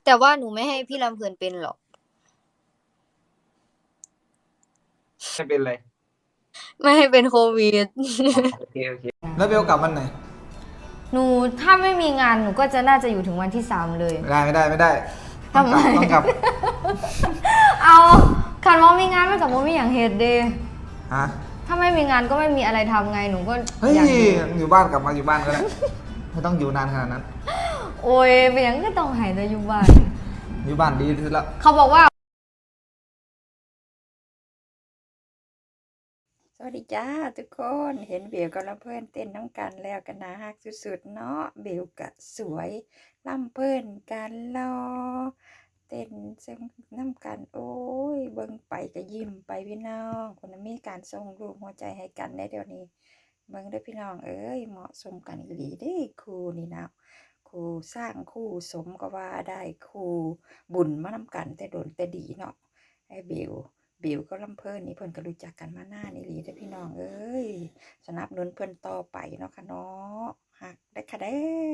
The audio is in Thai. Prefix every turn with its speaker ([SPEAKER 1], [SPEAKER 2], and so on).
[SPEAKER 1] แต่ว่าหนูไม่ให้พี่ลำเพลินเป็นหรอก
[SPEAKER 2] ไม่เป็นไร
[SPEAKER 1] ไม่ให้เป็นโควิด
[SPEAKER 2] โอเคโอเคแล้วเบลกลับวันไหน
[SPEAKER 3] หนูถ้าไม่มีงานหนูก็จะน่าจะอยู่ถึงวันที่3เลย
[SPEAKER 2] ไม่ได้
[SPEAKER 3] ทำไม
[SPEAKER 2] ต้องกลับ
[SPEAKER 3] เอาคันว่ามีงานไม่กับว่ามีอย่างเหตุเดย์
[SPEAKER 2] ฮะ
[SPEAKER 3] ถ้าไม่มีงานก็ไม่มีอะไรทำไงหนูก็
[SPEAKER 2] เฮ้ย
[SPEAKER 3] อยาก
[SPEAKER 2] อยู่บ้านกลับมาอยู่บ้านก็ได้ไม่ต้องอยู่นานขนาดนั้น
[SPEAKER 3] โอ้ยเป็นอย่างก็ต้องหายใจอยู่บ้าน
[SPEAKER 2] อยู่บ้านดีที่สุดแล้ว
[SPEAKER 3] เขาบอกว่า
[SPEAKER 4] สวัสดีจ้าทุกคนเห็นเบลกับลำเพิ่นเต้นน้ำกันแล้วกันนะฮักสุดๆเนาะเบลกะสวยลำเพิ่นกันรอเต้นเซ็งน้ำกันโอ้ยเบิ่งไปก็ยิ้มไปพี่น้องคนนั้นมีการส่งรูปหัวใจให้กันได้เดี๋ยวนี้เบิ่งได้พี่น้องเอ้ยเหมาะสมกันอีหลีเด้คู่นี่นะคู่สร้างคู่สมก็ว่าได้คู่บุญมานำกันแต่โดนแต่ดีเนาะไอ้เบลก็ลำเพิ่นนี่เพิ่นก็รู้จักกันมานานนี่หลีเด้อพี่น้องเอ้ยสนับสนุนเพิ่นต่อไปเนาะค่ะเนาะฮักได้ค่ะเด้อ